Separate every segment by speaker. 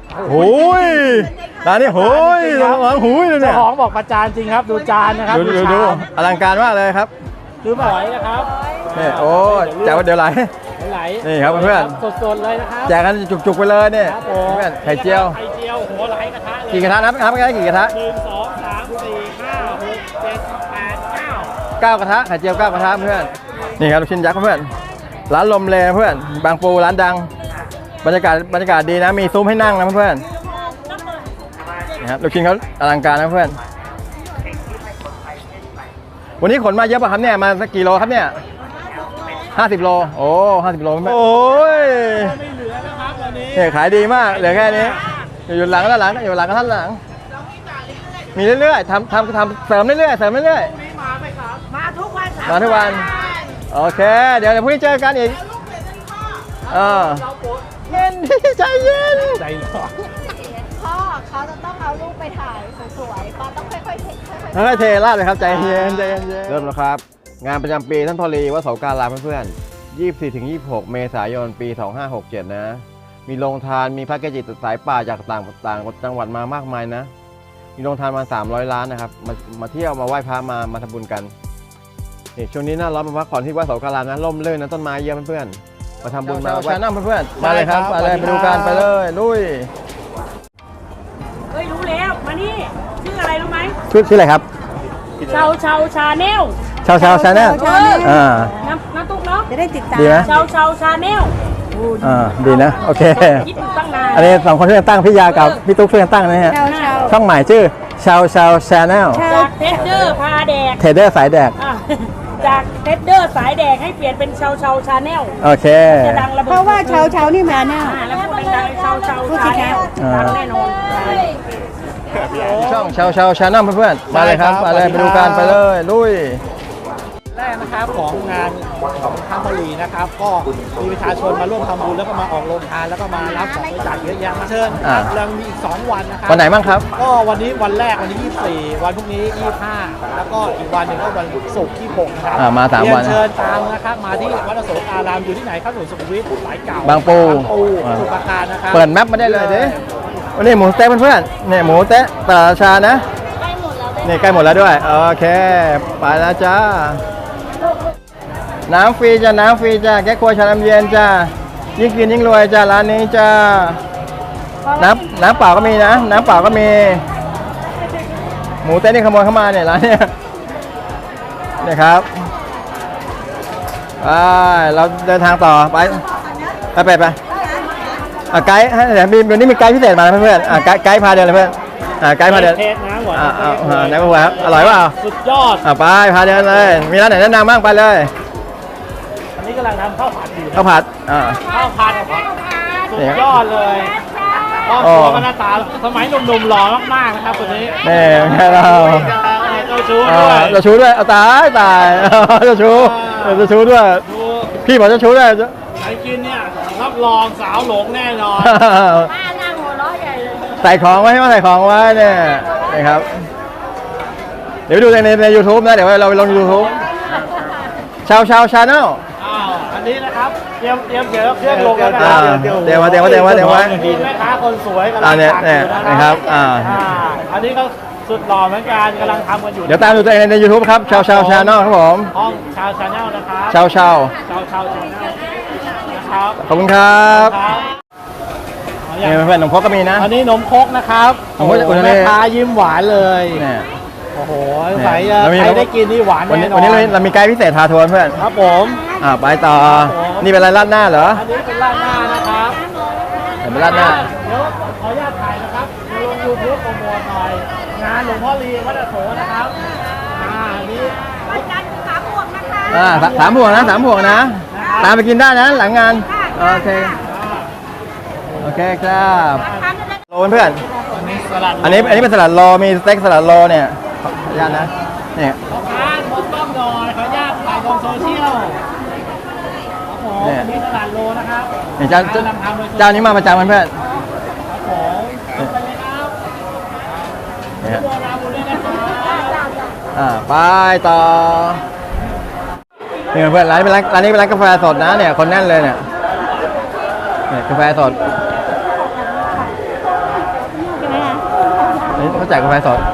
Speaker 1: โอ้ยร้านนี้โอ้ยหลังหูยเลยเนี่ย
Speaker 2: เจ้าของบอกประจานจริงครับดูจานนะครับ
Speaker 1: ดูอลังการมากเลยครับ
Speaker 2: คือหอยนะครับ
Speaker 1: นี่โอ้แจกเดี๋ยวไหล
Speaker 2: ไหล
Speaker 1: นี่ครับเพื่อน
Speaker 2: สดๆเลยนะครับ
Speaker 1: แจกกันจุกๆไปเลยเนี่ย
Speaker 2: ครับผม
Speaker 1: เพื่อนไข่เจียว
Speaker 2: ไข่เจียวหัวไหลกระทะเลย
Speaker 1: กี่กระทะนับกันกี่กระทะ
Speaker 2: 1 2 3 4 5 6 7 8 9
Speaker 1: 9 กระทะไข่เจียว9 กระทะเพื่อนนี่ครับลูกชิ้นยักษ์เพื่อนร้านลมเลเพื่อนบางปูร้านดังบรรยากาศดีนะมีซุ้มให้นั่งนะเพื่อนนะครับลูกชิ้นเขาอลังการนะเพื่อนวันนี้ขนมาเยอะป่ะครับเนี่ยมาสักกี่โลครับเนี่ย50 โลโอ้50 โลเพื่อนโอ้ย
Speaker 2: ไม่เหลือนะครับวันนี้
Speaker 1: เนี่ยขายดีมากเหลือแค่นี้อยู่หลังด้านหลังอยู่หลังกับท่านหลังมีเรื่อยๆทำเสริมเรื่อยๆ
Speaker 2: มาไหมครับ
Speaker 3: มาทุกวันค่ะ
Speaker 1: มาทุกวันโอเคเดี๋ยวพรุ่งนี้เจอกันอีกเย็นใจเย็น
Speaker 2: ใจร้อน
Speaker 3: พ่อเขาจะต้องเอาลูกไปถ่ายสวยๆป้าต้องค่อยๆเทค่อย
Speaker 1: ค่อยๆเทราดเลยครับใจเย็นเริ่มแล้วครับงานประจำปีท่านพอลีวัดเสาการามเพื่อนๆ 24-26 เมษายนปี 2567 นะมีโรงทานมีพระเกจิสายป่าจากต่างจังหวัดมามากมายนะมีโรงทานมา300 ล้านนะครับมาเที่ยวมาไหว้พระมาทำบุญกันนี่ช่วงนี้หน้าร้อนมาพักผ่อนที่วัดเสาการามนะร่มรื่นนะต้นไม้เยอะเพื่อนๆมาทำบุญมาไหว้น้ำเพื่อนๆมาเลยครับมาเลยไปดูกันไปเลยลุย
Speaker 4: เฮ้ยรู้แล้วมานี่ชื่ออะไรรู้ไหม
Speaker 1: ชื่ออะไรครับ
Speaker 4: ชาชาแนล
Speaker 1: ชาวชาแนล
Speaker 4: น้ำตุ๊กเนาะ
Speaker 3: จะได้ติดตาม
Speaker 1: ดีไหม
Speaker 4: ชาแนล
Speaker 1: ดีนะโอเค
Speaker 4: คิดอยู่ตั้งนาน
Speaker 1: อันนี้2 คนช่วยกันตั้งพี่ยากับพี่ตุ๊กช่วยกันตั้งนะฮะ
Speaker 3: เช้าเช้า
Speaker 1: ช่องใหม่ชื่อชาวชาแนล
Speaker 4: จากเทสเดอร์พาแดก
Speaker 1: เทรดเดอร์สายแดก
Speaker 4: อ่ะจากเทสเดอร์สายแดกให้เปลี่ยนเป็นชาชาแนล
Speaker 1: โอเค
Speaker 4: จะดังระเบิด
Speaker 3: เพราะว่าเช้านี่มาแน่
Speaker 4: แล้วพูดดังๆชาแนลดังแน่นอน
Speaker 1: ช่องชาแนลเพื่อนๆมาเลยครับมาเลยไปดูกันไปเลยลุย
Speaker 2: แรกนะครับของงานของท่านพลีนะครับก็มีประชาชนมาร่วมทำบุญแล้วก็มาออกโรงทานแล้วก็มารับของบริจาคเยอะแยะมาเชิญครับยังมีอีก2 วันนะครับ
Speaker 1: วันไหนบ้างครับ
Speaker 2: ก็วันนี้วันแรกวันที่24วันพรุ่งนี้25แล้วก็อีกวันหนึ่งก็วันศุกร์ที่6นะครับ
Speaker 1: มา3 วัน
Speaker 2: เรียนเชิญตามนะครับมาที่วัดอโศกอารามอยู่ที่ไหนครับถนนสุขุมวิทสายเก่า
Speaker 1: บางปู
Speaker 2: สมุทรปราการนะครับ
Speaker 1: เปิดแมปมาได้เลยดิวันนี้หมูสเต๊ะเพื่อนๆเนี่ยหมูสเต๊ะตลาดราชานะนี่ใกล้หมดแล้วด้วยโอเคไปแล้วจ้าน้ำฟรีจ้าน้ำฟรีจ้าแก้ครัวชาน้ำเย็นจ้ายิ่งกินยิ่งรวยจ้าร้านนี้จ้าน้ำเปล่าก็มีนะน้ำเปล่าก็มีหมูเต้นนี่ขโมยเข้ามาเนี่ยร้านเนี่ยนี่ครับเราเดินทางต่อไปไกด์เดี๋ยวนี้มีไกด์พิเศษมาเพื่อนไกด์พาเดินเลยเพื่อนไกด์พาเดิน
Speaker 2: เทสน้ำหวาน
Speaker 1: ไหนบอกว่าอร่อยเปล่า
Speaker 2: สุดยอด
Speaker 1: ไปพาเดินเลยมีร้านไหนแนะนำบ้างไปเลย
Speaker 2: อันนี้กำลังทำข้าวผัดอยู่
Speaker 1: ข้าวผัด
Speaker 2: ข้าวผัดสุดยอดเลยครอบครัวก็หน้าตาสมัยหนุ่มๆหล่อมากๆนะครับคนนี้
Speaker 1: นี่แค่เรา
Speaker 2: เจ้าชู้ด้วย
Speaker 1: จะชูด้วยเอาตายจะชูด้วย
Speaker 2: ดู
Speaker 1: พี่บอกจะชูด้วย
Speaker 2: ใครกินเนี่ยรับรองสาวหลงแน่นอน
Speaker 4: ป้านั่งหัวเราะใหญ่เลย
Speaker 1: ใส่ของไว้ให้มาใส่ของไว้เนี่ยนะครับ เดี๋ยวไปดูใน YouTube นะเดี๋ยวเราไปลง YouTube ชาแนล
Speaker 2: อันนี้นะครับเตรียมเครื่องลงแล้วนะ
Speaker 1: เตรียมไว้
Speaker 2: มีแม่ค้าคนสวยกำลัง
Speaker 1: เนี่ย
Speaker 2: ตักอยู่
Speaker 1: นะครับ
Speaker 2: อันนี้ก็สุดหล่อเหมือนกันกำลังทำกันอยู่
Speaker 1: เดี๋ยวตามดูตัวเองใน YouTube ครับชาแนลครับผม
Speaker 2: ห้องชาวชาแนลนะครับ
Speaker 1: ชา
Speaker 2: ชาวชาแนลนะครับ
Speaker 1: ขอบคุณครับ
Speaker 2: ครับ
Speaker 1: นี่เพื่อนๆนมพกก็มีนะ
Speaker 2: อันนี้นมครกนะครับ
Speaker 1: นมครก
Speaker 2: โอ้โหแม่ค้ายิ้มหวานเลย
Speaker 1: เนี่ย
Speaker 2: โอ้โหใส่ใครได้กินนี่หวาน
Speaker 1: วัน
Speaker 2: แน่
Speaker 1: นี้
Speaker 2: นอน
Speaker 1: เรามีไกด์พิเศษพาทัวร์เพื่อน
Speaker 2: ครับผม
Speaker 1: ไปต่อ นี่เป็นอะไรราดหน้าเหรอ
Speaker 2: อันนี้เป็นราดหน้านะครับ
Speaker 1: เป็นราดหน้า
Speaker 2: เดี๋ยวขออนุญาตถ่ายนะครับลง YouTube โปรโมทหน่อยงานหลวงพ่อลีวัดอโศกนะครับอันนี้
Speaker 3: วันจันทร์3 บวกนะคะ
Speaker 1: 3 บวกนะ3 บวกนะ ตามไปกินได้นะหลังงานโอเคครับโลเพื่อน
Speaker 2: อันนี้สลัด
Speaker 1: อันนี้เป็นสลัดโลมีสเต็กสลัดโลเนี่ยขออนุญาตนะเนี่ย
Speaker 2: พ่อค้าหมดต้องหน่อยขออนุญาตถ่ายลงโซเชียลครับผมอันนี้สลัดโลนะครับ
Speaker 1: เนี่ยเจ้านี้มาประจำเพื่อน
Speaker 2: ครับผมไปเลยครับ
Speaker 1: เนี่ย
Speaker 2: โบราณบุรีนะครับ
Speaker 1: ไปต่อนี่เพื่อนร้านนี้เป็นร้านกาแฟสดนะเนี่ยคนแน่นเลยเนี่ยกาแฟสดแจกกาแฟสด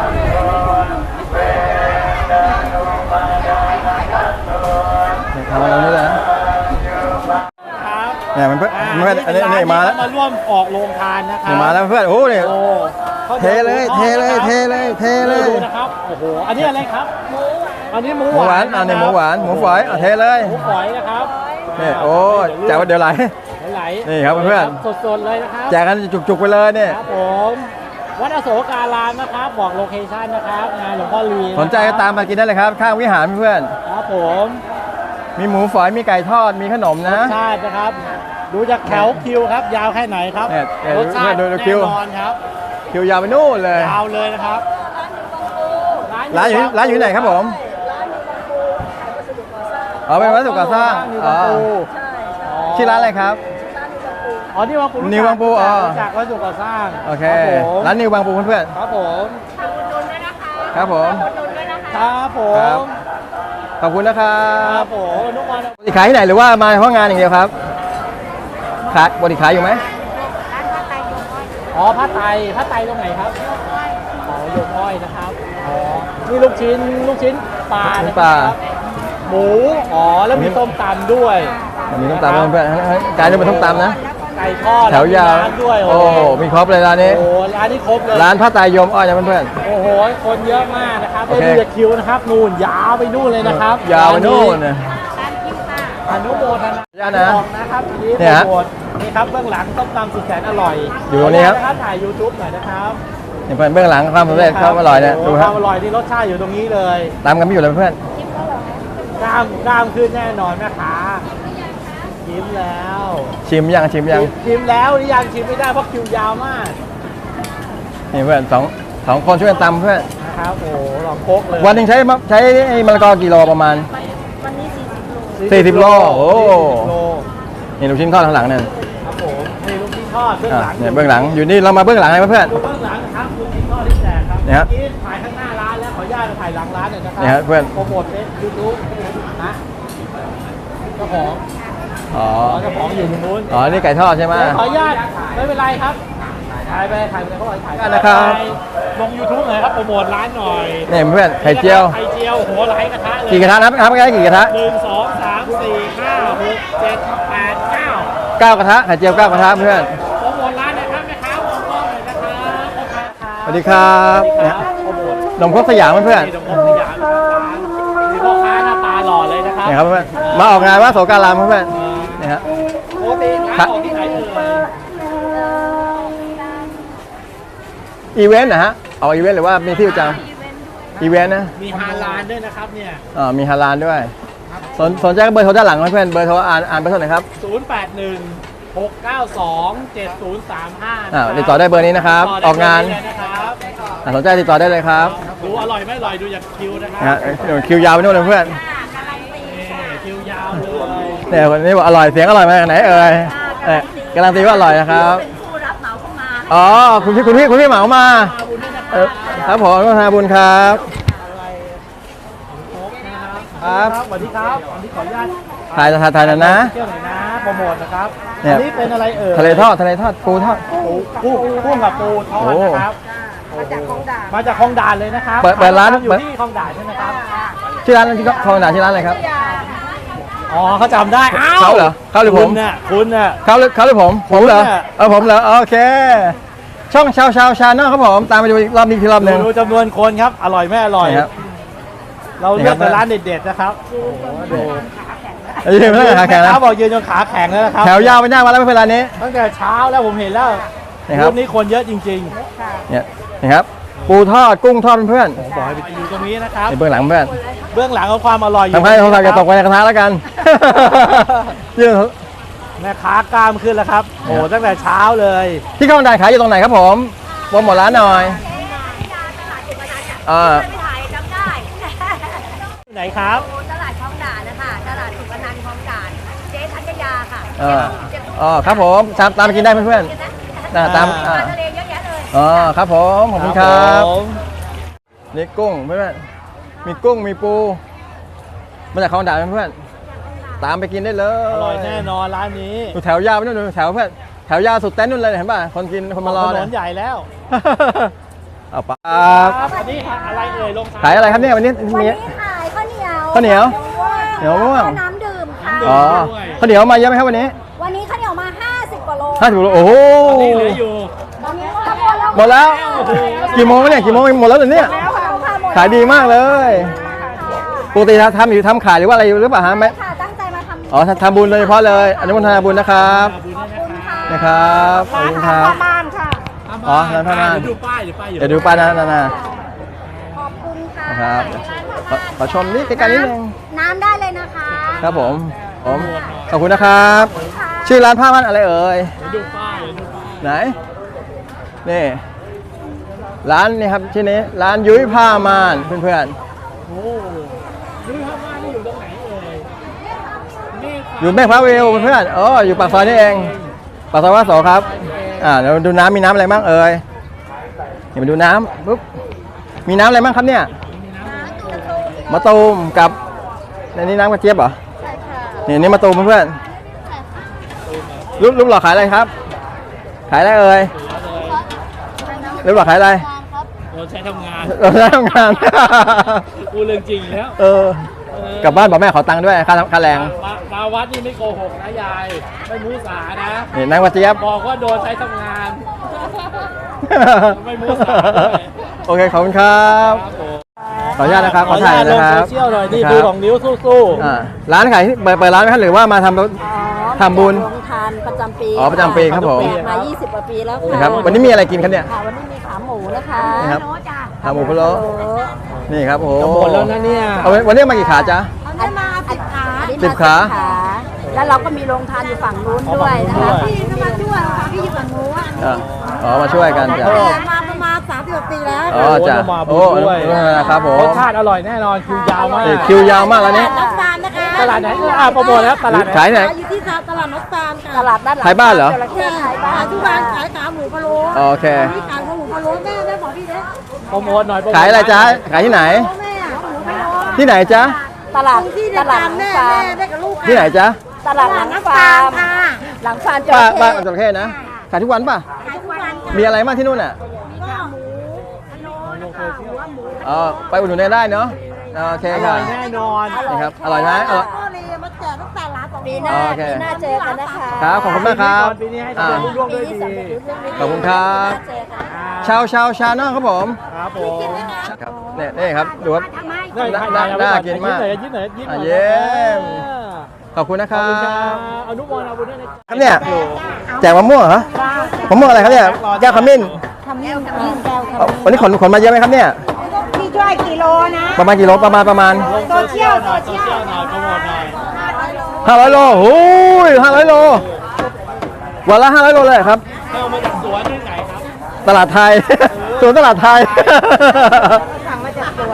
Speaker 1: ทำอะไรนี่เลยนะครับ เนี่ยมันเพื่อนอันนี้มาแล้ว
Speaker 2: มาร่วมออกโรงทานนะครั
Speaker 1: นี่มาแล้วเพื่อนโอ้เนี่ย
Speaker 2: โอ้
Speaker 1: เทเลยเทเลยเทเลยเทเลย
Speaker 2: ดูนะครับโอ้โหอันนี้อะไรครับอันนี้หมู
Speaker 1: หมูหวาน
Speaker 2: ะครับ
Speaker 1: นี่หมูหวานหมูฝอยเทเลย
Speaker 2: หมูฝอยนะครับ
Speaker 1: นี่โอ้แจกวันเดียวไหล
Speaker 2: ไหล
Speaker 1: นี่ครับเพื่อน
Speaker 2: สดๆเลยนะครับ
Speaker 1: แจกกันจุกๆไปเลยเนี่ย
Speaker 2: ครับผมวัดอโศการามนะครับบอกโลเคชั่นนะครับงานหลวงพ่อลีะครับ
Speaker 1: สนใจก็ตามมากินได้เลยครับข้างวิหารเพื่อน
Speaker 2: ครับผม
Speaker 1: มีหมูฝอยมีไก่ทอดมีขนมนะ
Speaker 2: รสชาตินะครับดูจากแถวคิวครับ ยาวแค่ไหนครับ
Speaker 1: เนี่ย
Speaker 2: รสชาติ
Speaker 1: ดู
Speaker 2: แน่
Speaker 1: คิว
Speaker 2: นอนครับ
Speaker 1: คิวยาวไปนู่นเลย
Speaker 2: ยาวเลยนะครับ
Speaker 1: ร้านอยู่ที่ไหนครับผมอ๋อเป็นวัสดุก่อสร้าง
Speaker 2: อ๋อ
Speaker 1: ชื่อร้านอะไรครับ
Speaker 2: อ๋อนี่วังปู
Speaker 1: นิววังปูอ๋อ
Speaker 2: รู้จากวัสดุก่อสร้าง
Speaker 1: โอเค
Speaker 2: ครับผม
Speaker 1: ร้านนิวบางปูเพื่อน
Speaker 2: ครับผม
Speaker 1: ๆครับผม
Speaker 2: ครับผ
Speaker 1: ครับ
Speaker 2: ม
Speaker 1: ขอบคุณนะครั
Speaker 2: ครับ บผมนุกวัน
Speaker 1: ปกติขายที่ไหนหรือว่ามาเฉพาะงานอย่างเดียวครับขายปกติขายอยู่ไหม
Speaker 2: อ๋อผ้าไตตรงไหนครับอ๋อโยมอ้อยนะครับอ๋อนี่ลูกชิ้นปลา
Speaker 1: ลู
Speaker 2: นะ
Speaker 1: ก
Speaker 2: ค
Speaker 1: ปลา
Speaker 2: รับหมูอ๋อแล้วมีต้มตำด้วย
Speaker 1: มีต้มตำเพื่อนๆกลายเป็นต้มตำนะ
Speaker 2: ไก่ทอด
Speaker 1: แถวยาว
Speaker 2: มีน้ำด้วย
Speaker 1: โอ้มีครบเลยร้านนี้
Speaker 2: โอ้ร้านนี้ครบเลย
Speaker 1: ร้านพระตายโยมอ้อยนะเพื่อน
Speaker 2: โอ้โหคนเยอะมากนะครับ
Speaker 1: โอ
Speaker 2: ได้
Speaker 1: เค
Speaker 2: ดูจากคิวนะครับนู่นยาวไปนู่นเลยนะครับ
Speaker 1: ยาวไปนู่นนะ
Speaker 2: อนุโมทนา
Speaker 1: ญาตินะ
Speaker 2: บอกนะครับนี่
Speaker 1: เนี่ยฮะ
Speaker 2: โปรโมทนี่ครับเบื้องหลังต้มตำสุดแสนอร่อย
Speaker 1: อยู่ตรงนี้ครับ
Speaker 2: นะครับถ่าย YouTube หน่อยนะครับ
Speaker 1: นี่เพื่อนเบื้องหลังความสำเร็จความอร่อยเนี่ย
Speaker 2: โโห
Speaker 1: ดู
Speaker 2: ค
Speaker 1: ครั
Speaker 2: วา
Speaker 1: บ
Speaker 2: มอร่อยนี่รสชาติอยู่ตรงนี้เลย
Speaker 1: ตามกันไม่อยู่เลยเพื่อน
Speaker 2: กล้ามขึ้นแน่นอนแม่ค้าชิมแล้ว
Speaker 1: ชิมยัง
Speaker 2: ชิมแล้วหรือยังชิมไม่ได้เพราะคิวยาวมาก
Speaker 1: นี่เพื่อนสองคนช่วยกันตำเพื่อน
Speaker 2: นะครับโอ้โหลองโคกเลย
Speaker 1: วันหนึงใช้ไอ้มะละกอกี่โลประมาณ
Speaker 3: วันนี้40 โล
Speaker 1: 40 โลโอ้
Speaker 2: 40 โล
Speaker 1: นี่ลูกชิ้นทอดข้างหลังเนี่ย
Speaker 2: ครับผมนี่ลูกชิ้นทอดเบื้องหลัง
Speaker 1: เนี่ยเบื้องหลังอยู่นี่เรามาเบื้องหลังเลยเพื่อน
Speaker 2: ดูเบื้องหลังนะครับลูกชิ้นทอดที่แจกครับ
Speaker 1: เนี่ยครับ
Speaker 2: เมื่อกี้ถ่ายข้างหน้าร้านแล้วขออนุญาตถ่ายหลังร้านหน่อยนะครั
Speaker 1: เนี่ยครับเพื่อน
Speaker 2: โปรโมทเฟซยูทูบนะเจ้าของ
Speaker 1: อ๋อ
Speaker 2: เจ้าของอยู่ตรงนู้น
Speaker 1: อ๋อนี่ไก่ทอดใช่ไหม
Speaker 2: ขออนุญาตไม่เป็นไรครับถ่ายไปเขาบอกถ่าย
Speaker 1: นะครับ
Speaker 2: ลง YouTube หน่อยครับโปรโมทร้านหน่อย
Speaker 1: นี่เพื่อนไข่เจียว
Speaker 2: ไข่เจียวหัวไหลกระทะเลย
Speaker 1: กี่กระทะครับไก่กี่กระทะ
Speaker 2: 1 2 3 4 5 6 7 8 9
Speaker 1: 9 กระทะไข่เจียว 9 กระทะเพื่อน
Speaker 2: โปรโมทร้านหนะครับแม่ค้ามองกล้องหน่อยนะครับพ่อค้าครับ
Speaker 1: สวัสดีครับ
Speaker 2: สวัสดี
Speaker 1: เนี่ย
Speaker 2: ครับโปรโมท
Speaker 1: นมครกสยามเพื่อน
Speaker 2: นี่ตรงนี้สยามร้านนี่พ่อค้าหน้าตาหล่อเลยนะครับ
Speaker 1: เนี่ยครับเพื่อนมาออกงานว่าโสการามเพื่อนนี่ฮะ
Speaker 2: ปกติร้านออกที่ไหนเอ่ย
Speaker 1: อีเวนต์นะฮะเอาอีเวนต์หรือว่ามีที่ประจำอีเวนต์นะ
Speaker 2: มีฮาลาลด้วยนะครับเนี่ย
Speaker 1: มีฮาลาลด้วยสนใจก็เบอร์โทรด้านหลังนะเพื่อนเบอร์โทรอ่านเบอร์โทรหน่อยครับ
Speaker 2: 081 692 7035
Speaker 1: ติดต่อได้เบอร์นี้นะครับ
Speaker 2: ติด
Speaker 1: อ
Speaker 2: ต่
Speaker 1: อกงาน
Speaker 2: ได้เลยนะครับ
Speaker 1: สนใจติดต่อได้เลยครับ
Speaker 2: ดูอร่อยไม่อร่อยดูจากคิวนะค
Speaker 1: นะ
Speaker 2: รั
Speaker 1: ฮะ
Speaker 2: บ
Speaker 1: เดี๋ยวคิวยาวไปนู่นเลยเพื่อน
Speaker 2: นี่คิวยาวเลย
Speaker 1: เนี่ยวันนี้บอกอร่อยเสียงอร่อยมาจากไหนเอ่ยการันตีว่าอร่อยนะครับ
Speaker 3: เป็นผู้รับเหมาเข้ามา
Speaker 1: อ๋อคุณพี่เหมามาครับผมก็ทาบุญครับ ครับ
Speaker 2: สวัสดีครับวันนี้ขออนุญาต
Speaker 1: ถ่ายหน่อยนะ
Speaker 2: เที่ยวหน่อยนะโปรโมทนะครับ
Speaker 1: เนี่ย
Speaker 2: อันนี้เป็นอะไรเอ่ย
Speaker 1: ทะเลทอดปูทอด
Speaker 2: กุ้งกับปูทอดนะครับ
Speaker 3: มาจากคลองด่าน
Speaker 2: มาจากคลองด่านเลยนะครับ
Speaker 1: เปิดร้าน
Speaker 2: อยู่ที่คลองด่านใช่ไหมครับ
Speaker 1: ชื่อร้านที่คลองด่านชื่อร้านอะไรครับ
Speaker 2: อ๋อเขาจำได้อ้าว
Speaker 1: เขาเหรอเขาหรือผม
Speaker 2: คุณน่ะ
Speaker 1: เขาหรือผมเหรอ
Speaker 2: ผมเนี่ย
Speaker 1: ผมเหรอโอเค ช่องชาวชาแนลครับผมตามไปดูอีกรอบนี้ทีรอบหนึ่ง
Speaker 2: ดูจำนวนคนครับ อร่อยไม่อร่อย
Speaker 1: นี่ครับ
Speaker 2: เราเลือกแต่ร้านเด็ดๆนะครับโอ้โหดู
Speaker 1: ยืนไม่ต้องขาแข็งนะ
Speaker 2: เขาบอกยืนจนขาแข็งแล้วนะครับ
Speaker 1: แถวยาวไปหน้ามาแล้วไม่เป็นไรนี้
Speaker 2: ตั้งแต่เช้าแล้วผมเห็นแล้ว
Speaker 1: นี่ครับ
Speaker 2: รูปนี้คนเยอะจริง
Speaker 1: เนี่ยนี่ครับปูทอดกุ้งทอดเพื่อน
Speaker 2: ๆผมบอกให้ไปดูตรงนี้นะครับ
Speaker 1: ในเบื้องหลังเพื่อน
Speaker 2: เบื้องหลังของความอร่อยอยู่
Speaker 1: ทำให้โทรศัพท์อย่าตกไปในกระทะแล้วกันยื่น
Speaker 2: แม่ค้ากล้ามขึ้นแล้วครับโอ้โหตั้งแต่เช้าเลย
Speaker 1: ที่คลองด่านขายอยู่ตรงไหนครับผมโปรโมทร้านหน่อยอ่า
Speaker 3: ไปถ่ายจำได้
Speaker 2: ที่ไหนครับ
Speaker 3: ตลาดคลองด่านนะคะตลาดสุขนันท์คลองด่านเจ๊ธัญญาค่ะ
Speaker 1: อ๋อครับผมตามไปกินได้เพื่อนๆตาม
Speaker 3: ปลาทะเลเยอะแยะเลย
Speaker 1: อ๋อครับผมขอบคุณครับ
Speaker 2: ผม
Speaker 1: นี่กุ้งเพื่อนๆมีกุ้งมีปูมาจากคลองด่านเพื่อนๆตามไปกินได้เลย
Speaker 2: อร่อยแน่นอนร้านนี้
Speaker 1: ดูแถวยาวไปนู่นดูแถวเพื่อนแถวยาวสุดเต็นท์นู่นเลยเห็นป่ะคนกินคนมารอ
Speaker 2: ถน
Speaker 1: เนี่ย
Speaker 2: นใหญ่แล้ว
Speaker 1: เอาปครับ
Speaker 2: อันนี้อะไรเอ่ยลง
Speaker 1: ขายอะไรครับเนี่ยวันนี้
Speaker 3: วัน
Speaker 1: มี
Speaker 3: นี้ขายข้าวเหนียว
Speaker 1: ข้าวเหนียวเหนียวม่วง
Speaker 3: น้ำดื่มค่ะ
Speaker 1: อ๋อข้าวเหนียวมาเยอะไหมครับวันนี้
Speaker 3: วันนี้ข้าวเหนียวมา 50 กว่าโล
Speaker 1: 50 โลโอ้โห
Speaker 2: ตอนนี้เหลืออยู่
Speaker 3: วันนี้หมดแล้ว
Speaker 1: หมดแล้ว กี่โมงเนี่ยกี่โมงหมดแล้วเหรอเนี่ย
Speaker 3: แล้วค่ะหมด
Speaker 1: ขายดีมากเลยปกติทำขายหรือว่าอะไรหรือเปล่าฮะไม่
Speaker 3: ค่ะตั้งใจมาทำ
Speaker 1: อ๋อทำบุญโดยเฉพาะเลยอนุโมทนาบุญนะครับ
Speaker 3: ขอบคุณค่ะ
Speaker 1: นะครับขอบคุณครับ
Speaker 3: บ้านค่ะ
Speaker 1: อ๋อร้านผ้าม่าน
Speaker 2: เดี๋ยวดูป้ายเดี๋ยวป้ายอยู่
Speaker 1: เดี๋ยวดูป้ายนะ
Speaker 3: ขอบคุณค่ะ
Speaker 1: นะครับขอชมนิดใกล้ๆนิดนึง
Speaker 3: น้ำได้เลยนะคะ
Speaker 1: ครับผมขอบคุณนะครับ ชื่อร้านผ้าม่านอะไรเอ่ย
Speaker 2: เดี๋ยวดูป้ายเดี๋ยวดูป้าย
Speaker 1: ไหนนี่ร้านนี่ครับชื่อนี้ร้านยุ้ยผ้าม่านเพื่อน
Speaker 2: โอ้ดูผ้าม่านนี่อยู่ตรงไหนเอ่ยนี่
Speaker 1: ๆอยู่แม่พระวิวเพื่อนๆอ๋ออยู่ปากซอยนี่เองปากซอยวัดโสครับเดี๋ยวดูน้ำมีน้ำอะไรบ้างเอ่ยเดี๋ยวมาดูน้ำปุ๊บมีน้ำอะไรบ้างครับเนี่ยมะตูมกับในนี้น้ำกระเจี๊ยบเหรอ
Speaker 3: ใช่ค่ะ
Speaker 1: นี่มะตูมเพื่อนๆรูปหล่อขายอะไรครับ ขายอะไรเอ่ยรูปหล่อขายอะไร
Speaker 2: เราใช้ทำงาน
Speaker 1: เราได้ทำงาน
Speaker 2: กูเรื่องจริงแล้ว
Speaker 1: เออกลับบ้านบอกแม่ขอตังค์ด้วยค่าแรง
Speaker 2: มาวัดนี่ไม่โกหกนะยาย ไม่มูสานะ
Speaker 1: นี่นางกระเจี๊ยบ
Speaker 2: บอกว่าโดนใช้ทำงาน ไม่มูสาด้วย
Speaker 1: โอเคขอบคุณครับ
Speaker 2: ครับผม
Speaker 1: ขออนุญาตนะครับขอถ่าย
Speaker 2: ล
Speaker 1: นะ
Speaker 2: ง
Speaker 1: ครั
Speaker 2: โซ
Speaker 1: บ
Speaker 2: เชียลหน่อยนี่
Speaker 1: ครับ
Speaker 2: ดูของนิ้วสู้
Speaker 1: ร้านขายที่เปิดร้านไหมครับหรือว่ามาทำบุญ
Speaker 5: โรงทานประจำปี
Speaker 1: อ๋อประจำปีครับผม
Speaker 5: เปิดมา 20 กว่าปีแล้วค่ะ
Speaker 1: นะครับวันนี้มีอะไรกินครับเนี่ย
Speaker 5: ค่ะวันนี้มีขาหมูนะคะ
Speaker 1: นี่ครับขาหมูพะโล้นี่ครับโอ้
Speaker 2: ๆจะหมดแล้วนะเนี่ย
Speaker 1: เอาวันนี้มากี่ขาจ๊ะ
Speaker 5: อันนี้มา10 ขา
Speaker 1: 10 ขา
Speaker 5: แล้วเราก็มีโรงทานอยู่ฝั่งนู้นด้วยนะคะ
Speaker 3: พี่ก็มาด้วยค่ะพี่อยู่ฝั่งนู้น
Speaker 1: อ๋อมาช่วยกันจ้ะ
Speaker 5: เปิดมาประมาณ30 กว่าปีแล้ว
Speaker 1: อ๋อจ้ะ
Speaker 2: โอ้
Speaker 1: โอ้
Speaker 2: มาบุญด้วย
Speaker 1: นะครับผม
Speaker 2: รสชาติอร่อยแน่นอนคิวยาวมาก
Speaker 1: นี่คิวยาวมากแล้วนี่
Speaker 5: น้องฟาร์มนะคะ
Speaker 2: ตลาดไหนโปรโมทแล้วตลาดไหน
Speaker 1: ขายไหน
Speaker 5: อยู่ที่ตลาดน้องฟาร์มค่ะตลาดด้านหลัง
Speaker 1: ขายบ้านเหรอ
Speaker 5: จระเข้ขายบ้านทุกวันขายขาหมูพะโล้
Speaker 1: โอเค
Speaker 5: นี่ขายขาหมูพะโล้แม่บอกพี่เด้
Speaker 2: โปรโมทหน่อยโปโมท
Speaker 1: ขายอะไรจ๊ะขายที่ไหน
Speaker 5: แม่หมูพะโล้
Speaker 1: ที่ไหนจ๊ะ
Speaker 5: ตลาดที่ตลาดแม่น้องฟาร์มได้กับลูก
Speaker 1: ที่ไหนจ๊ะ
Speaker 5: ตลาดหลังฟาร์มหลังฟาร์มจ
Speaker 1: ป้า
Speaker 5: ระเข้
Speaker 1: ป้าจระเข้นะขายทุกวันป่ะ
Speaker 5: ขายทุกวัน
Speaker 1: มีอะไรบ้างที่นู่นอ่ะอ๋อไปอุดหนุนได้เนาะโอเค
Speaker 2: อ
Speaker 1: ค
Speaker 2: ร่
Speaker 1: รั
Speaker 2: อบ ยแน่นอน
Speaker 1: นี่ครับอร่อยไหมอร่อย
Speaker 5: ก็เลยมาแจกตั้งแต่ร้านปีหน้า
Speaker 1: โอเค
Speaker 5: ปีหน้าเจอกันนะคะ
Speaker 1: ครับขอบคุณมากครับ
Speaker 2: ปีนี้ให้ทำงานรุ่งๆด้วยดี
Speaker 1: ขอบคุณครับ
Speaker 5: เจอกัน
Speaker 1: ชาเนาะครับผม
Speaker 2: ครับผม
Speaker 1: ครับนี่ครับดูครับ น่ากินมาก
Speaker 2: ยิ้มหน่อยยิ้มหน่อยยิ้มหน่อย
Speaker 1: เยี่ยมขอบคุณนะค
Speaker 2: ขอบ
Speaker 1: รั
Speaker 2: คุณครับ บอนุโมทนาบุญด้วยนะครับ
Speaker 1: เนี่ยแจกมะม่วงเหรอมะม่วงอะไรครับเนี่ยแก้วขมิ้น
Speaker 5: ทำเงี้ยทำเงี้ยแก้ว
Speaker 1: เอาวันนี้ขนมาเยอะไหมครับเนี่ย
Speaker 3: พี่ช่วยกิโลนะ
Speaker 1: ประมาณกี่โลประมาณ
Speaker 2: โซเชียลหน่อยโซเชียลหน่อยโปรโมทหน่อย
Speaker 1: 500 โลโอ้ย500 โลวันละ500 โลเลยครับ
Speaker 2: เอามาจากสวนที่ไหนครับ
Speaker 1: ตลาดไทย สวนตลาดไทย
Speaker 3: สั่งมาจากสวน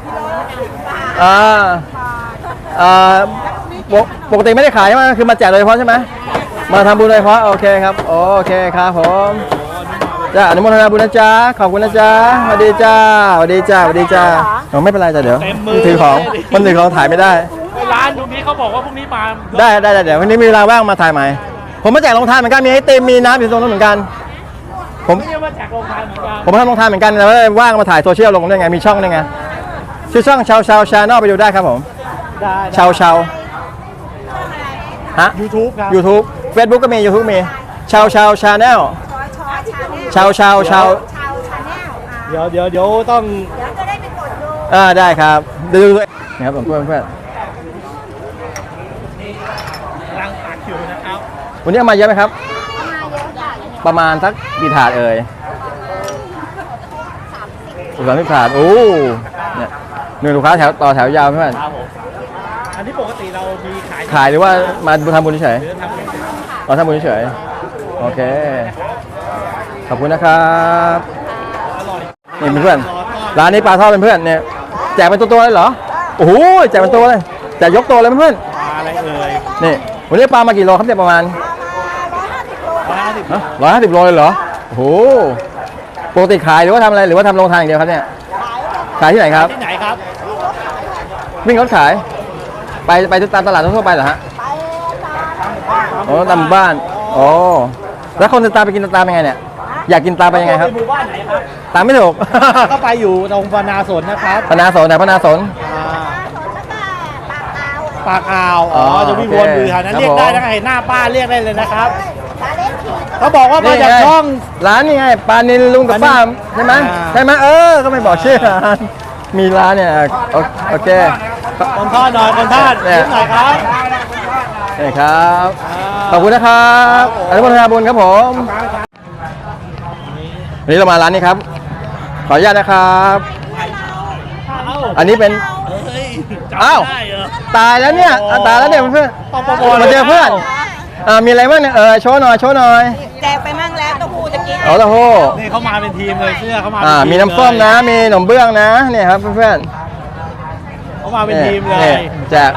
Speaker 1: ปกติไม่ได้ขายใช่ไหมคือมาแจกโดยเฉพาะใช่ไหมมาทำบุญโดยเฉพาะโอเคครับโอเคครับผมจ้าอนุโมทนาบุญนะจ๊ะขอบคุณนะจ๊ะสวัสดีจ้าสวัสดีจ้าสวัสดีจ้าไม่เป็นไรจ้ะเดี๋ยว
Speaker 2: เต็มมือ
Speaker 1: ถือของมันถือของถ่ายไม่ได้
Speaker 2: ร้านตรงนี้เขาบอกว่าพรุ่งนี้มา
Speaker 1: ได้เดี๋ยววันนี้มีเวลาว่างมาถ่ายใหม่ผมมาแจกรองทานเหมือนกันมีไอติมมีน้ำอยู่ตรงนั้นเหมือนกันผม
Speaker 2: ไม่ได้มาจากโรงทานเหมือนกัน
Speaker 1: ผมทำรองทานเหมือนกันแต่ว่าว่างมาถ่ายโซเชียลลงได้ไงมีช่องได้ไงชื่อช่องชาวชาแนลไปดูได้ครับผม
Speaker 2: ได้
Speaker 1: ชาวฮะ
Speaker 2: YouTube ครับ
Speaker 1: YouTube Facebook ก็มี YouTube มีชาวชาแนลชาว
Speaker 3: ชาวชาแนล
Speaker 2: เดี๋ยวต้อง
Speaker 3: เดี๋ยวจะได้ไปกดดู
Speaker 1: ได้ครับดูนี่ครับผมเพื่อน
Speaker 2: กำลังตัดอยู่นะครับ
Speaker 1: วันนี้เอามาเยอะไหมครับ
Speaker 3: มาเยอะค่ะ
Speaker 1: ประมาณสักกี่ถาดเอ่ย30 ถาดโอ้เนี่ยหนึ่งลูกค้าต่อแถวยาวเพื่อน
Speaker 2: ครับผมอันนี้ปกติเรามีขาย
Speaker 1: ขายหรือว่ามาทำบุญเฉย
Speaker 2: หรือทำเป็น
Speaker 1: เราทำบุญเฉยโอเคขอบคุณนะครับ
Speaker 2: อร่อย
Speaker 1: นี่เพื่อนร้านนี้ปลาทอดเป็นเพื่อนเนี่ยแจกเป็นตัวๆเลยเหรอโอ้โหแจกเป็นตัวเลยแจกยกตัวเลยเพื่อน
Speaker 2: ปลาอะไรเอ่ย
Speaker 1: นี่วันนี้ปลามากี่โลครับเนี่ยประมาณ
Speaker 2: 150
Speaker 1: 150 โลเลยเหรอโอ้โหปกติขายหรือว่าทำอะไรหรือว่าทำโรงทานอย่างเดียวครับเนี่ยขายที่ไหนครับ
Speaker 2: ที่ไหนครับ
Speaker 1: วิ่งรถขายไปตามตลาดทั่วไปเหรอฮะโอ้ตามหมู่บ้านโอ้แล้วคนจะตามไปกินตามยังไงเนี่ย
Speaker 3: ต
Speaker 1: อยากกินตามไปยังไงครับ
Speaker 2: หมู่บ้านไหนครับ
Speaker 1: ตามไม่ถูก
Speaker 2: ก็ไปอยู่ตรงพนาสนนะครับ
Speaker 1: พนาสนไหนพนาสน
Speaker 2: อ่า
Speaker 3: ปากอ่าว
Speaker 2: ปากอ่าวอ๋อ
Speaker 1: อ๋อ
Speaker 2: จะมี
Speaker 1: โอ
Speaker 2: วน
Speaker 1: เค
Speaker 2: อยู่แถวนั้น
Speaker 1: ครับ
Speaker 2: เรียกได้
Speaker 1: ผม
Speaker 2: นะเห็นหน้าป้าเรียกได้เลยนะครับ
Speaker 3: ปลาเล่นขี่
Speaker 2: เขาบอกว่ามาจาก
Speaker 1: นี่ไง
Speaker 2: ช่อง
Speaker 1: ร้านนี่ไงปลานิลลุงกับป้าใช่ไหม
Speaker 2: อ่า
Speaker 1: ใช่ไหมก็ไม่บอกชื่อร้านมีร้านเนี่ยโอเค
Speaker 2: คนทอดหน่อยคนทอด
Speaker 1: เนี่ย
Speaker 2: ยิ้มหน่อยครับ
Speaker 1: นี่ครับ
Speaker 2: อ่า
Speaker 1: ขอบคุณนะครับ
Speaker 2: ครับผม
Speaker 1: อนุโมทนาบุญครับผมวันนี้เรามาร้านนี้ครับ ขออนุญาตนะครับ อันนี้เป็น
Speaker 2: เฮ้ยจำ
Speaker 1: อ้าว
Speaker 2: ได้เหรอ
Speaker 1: ตายแล้วเนี่ยตายแล้วเนี่ยเพื่อน
Speaker 2: ต้องโปรโมท
Speaker 1: มาเจอเพื่อนมีอะไรบ้างเนี่ยโชว์หน่อยโชว์หน่อย
Speaker 3: แจกไปมั่งแล้วเต้าหู้ตะกี้
Speaker 1: เอาละโห
Speaker 2: นี่เขามาเป็นทีมเลยเสื้อเขามาเป็นที
Speaker 1: มีน้ำส้มนะ มีขนมเบื้องนะเนี่ยครับเพื่อน
Speaker 2: เขามาเป็นทีมเล
Speaker 1: นี่
Speaker 2: ย
Speaker 1: แจก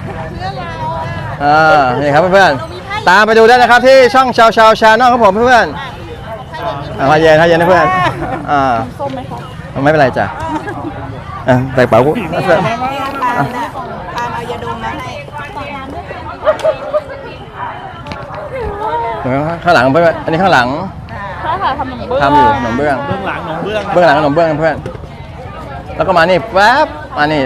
Speaker 1: นี่ครับเพื่อนๆตามไปดูได้นะครับที่ช่องชาวชาแนลครับผมเพื่อนๆมาเย็นนะเพื่อนส้มไหมครับไม่เป็นไรจ้ะใส่เป๋ากู
Speaker 3: ปาล์มเอายาดมมาให้
Speaker 1: ข้างหลังเพื่อนอันนี้ข้างหลังทำอยู่ขนมเบื้อง
Speaker 2: เบื้องหลังหนองเบื้อง
Speaker 1: เบื้องหลังขนมเบื้องเพื่อนแล้วก็มานี่แป๊บมานี่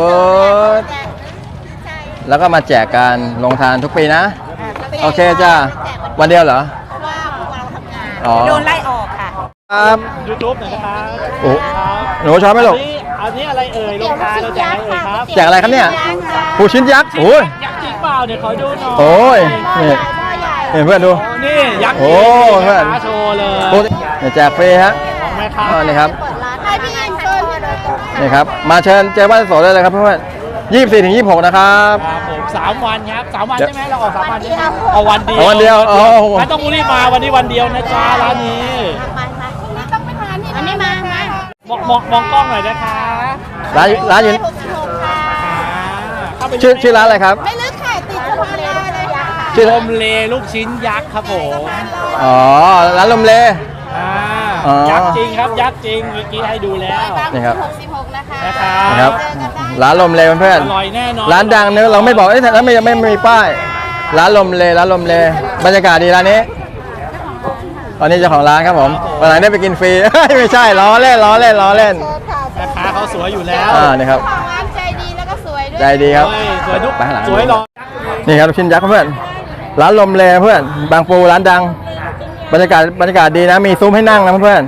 Speaker 1: แล้วก็มาแจกการลงทานทุกปีนะ โอเคจ้าวันเดียวเหรอ
Speaker 3: ว่าพวกเราทำงาน
Speaker 1: อ๋อ
Speaker 3: โดนไล่ออกค่ะ
Speaker 1: ครับ
Speaker 2: ยูทูบหน่อยนะครับ
Speaker 1: โอ้
Speaker 2: ครับ
Speaker 1: หนูชอบไหมลูก
Speaker 2: อันนี้อะไรเอ่ยลงทานเราแจกอะไรเอ่ยครับ
Speaker 1: แจกอะไรครับเนี่ยปูชิ้นยักษ์โอ้ย
Speaker 2: ยักษ์จริงเปล่าเดี๋ยวขอดูหน่อย
Speaker 1: โอ้ยนี่เพื่อนดู
Speaker 2: โอ้นี่ยักษ์จ
Speaker 1: โอ้
Speaker 2: ริง
Speaker 1: เพื่อน
Speaker 2: ขาโชว์เลย
Speaker 1: ปูเนี่ยแจกฟรีฮะ
Speaker 2: ของแม่ค้า
Speaker 1: นี่ครับ
Speaker 3: เปิดร้านให้พี่ยิงช่วยพี่โดยตรงค่ะ
Speaker 1: นี่ครับมาเชิญเจอบ้านโสดได้เลยครับเพื่อน24 ถึง 26 นะครับ
Speaker 2: ครับผม3 วันครับ3 วัน
Speaker 1: เดี๋ยว
Speaker 2: ใช่ไหมเราออก3 วันใช่ไหมเอาวันเดียว
Speaker 1: เอาวันเดียวอ๋อ
Speaker 2: ไม่ต้องรีบมาวันนี้วันเดียวนะจ๊ะร้านนี้
Speaker 3: มาพรุ่งนี้ต้องไปทานที่อันนี้มา
Speaker 2: มองกล้องหน่อยนะคะ
Speaker 1: ร้านอยู่
Speaker 3: 66ค่ะ
Speaker 2: เข้าไป
Speaker 1: ชื่อร้านอะไรครับ
Speaker 3: ไม่ลึกค่ะติดสะพานลอยเลยค่ะ
Speaker 1: ชื่อ
Speaker 2: ลมเลลูกชิ้นยักษ์ครับผม
Speaker 1: อ๋อร้านลมเล
Speaker 2: อ่า
Speaker 1: อ๋อ
Speaker 2: ยักษ์จริงครับยักษ์จริงเมื่อกี้ให้ดูแล้ว
Speaker 1: นี่ครับ
Speaker 3: 66นะคะ
Speaker 1: นะครับร้านลมเลเพื่อน
Speaker 2: อร่อยแน่นอน
Speaker 1: ร้านดังเนื้อะเราไม่บอกแล้วไม่มีป้ายร้านลมเลบรรยากาศดีร้านนี้ตอนนี้เจ้าของร้านครับผมวันไหนได้ไปกินฟรี ไม่ใช่ล้อเล่น
Speaker 2: แม่ค้าเขาสวยอยู่แล้ว
Speaker 1: นี่ครับ
Speaker 3: ของร้านใจดีแล้วก็สวยด้วย
Speaker 1: ใจดีครับ
Speaker 2: เฮ้ยสวยทุก
Speaker 1: ไปข้างหลัง
Speaker 2: สวยหรอ
Speaker 1: นี่ครับลูกชิ้นยักษ์เพื่อนร้านลมเลเพื่อนบางปูร้านดัง บรรยากาศดีนะมีซุ้มให้นั่งนะเพื่อน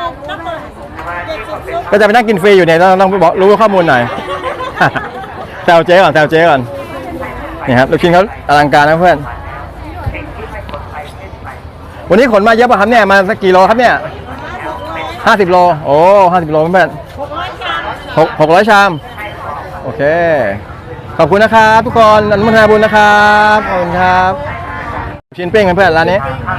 Speaker 1: ก็จะไปนั่งกินฟรีอยู่เนี่ยต้องบอกรู้ข้อมูลหน่อย แซวเจ๊ก่อนนี่ครับลูกชิ้นเขาอลังการนะเพื่อนวันนี้ขนมาเยอะป่ะครับเนี่ยมาสักกี่โลครับเนี่ย50 โลโอ้50 โลเพื่อน600 ชามโอเคขอบคุณนะครับทุกคนอนุโมทนาบุญนะครับขอบคุณครับลูกชิ้นปิ้งเพื่อนๆร้านนี้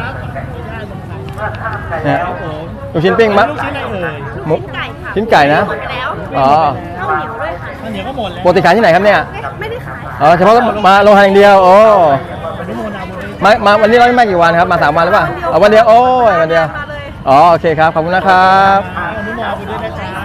Speaker 1: เนี่ย
Speaker 2: ครับผม
Speaker 1: ลูกชิ้นปิ้งมั้ย
Speaker 2: ลูกชิ้นอะไรเอ่ย
Speaker 1: หมูชิ้นไก่นะอ๋อ
Speaker 2: ข้าวเหนียวก็หมดแล้ว
Speaker 1: ปกติขายที่ไหนครับเนี่ยไม่ได้ขายอ๋อเฉพาะมาลงทานอย่างเดียวโอ้
Speaker 2: อนุโมทนาบุญด้วย
Speaker 1: มาวันนี้เราไม่มากี่วันครับมา3 วันหรือเปล่าวันเดียวโอ้ยวันเดียวอ๋อโอเคครับขอบคุณนะครับ
Speaker 2: อนุโมทนาบุญด้วยนะจ๊ะ